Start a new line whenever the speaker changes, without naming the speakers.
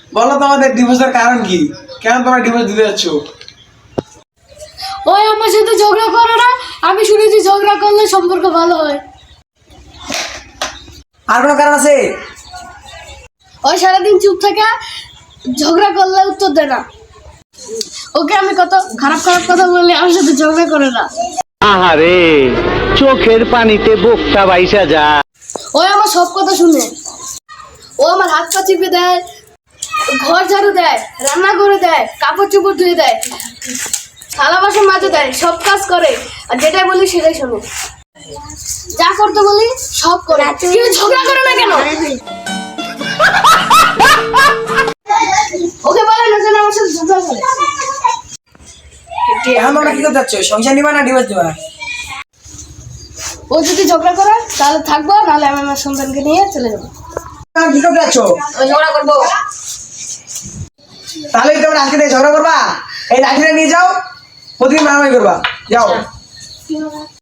বলো তো আমাদের ডিভোর্সের কারণ কি? কেন তোমরা ডিভোর্স দিতে যাচ্ছ?
ওই আমার সাথে ঝগড়া করে না, আমি শুনেছি ঝগড়া করলে সম্পর্ক ভালো হয়।
আর কোনো কারণ আছে?
ওই সারাদিন চুপ থাকে, ঝগড়া করলে উত্তর দেয় না। ওকে আমি কত খারাপ খারাপ কথা বললে আমার সাথে ঝগড়া করে না।
আহারে, চোখের পানিতে বোকটা বাইসা যা।
ওই আমার সব কথা শুনে, ও আমার হাত পা চিপে দেয়, ঘর ঝাড়ু দেয়, রান্না করে দেয়, কাপড় চোপড় ধুয়ে দেয়, থালা বাসন মাজে দেয়, সব কাজ করে। আর যেটাই বলি সেটাই শোনে, যা করতে বলি সব করে। কেউ ঝগড়া করে না কেন? ওকে বলে না যেন আমার সাথে ঝগড়া করে।
এখন তোমরা কি করতে যাচ্ছ? সংসার নিবা না ডিভোর্স দিবা?
ও যদি ঝগড়া করে তাহলে থাকবো, নাহলে আমি আমার সন্তানকে নিয়ে চলে যাবো।
কি করতে যাচ্ছ?
ঝগড়া করবো।
তাহলে তোমরা আজকে থেকে ঝগড়া করবা? এই লাঠিটা নিয়ে যাও, প্রতিদিন মারামারি করবা। যাও।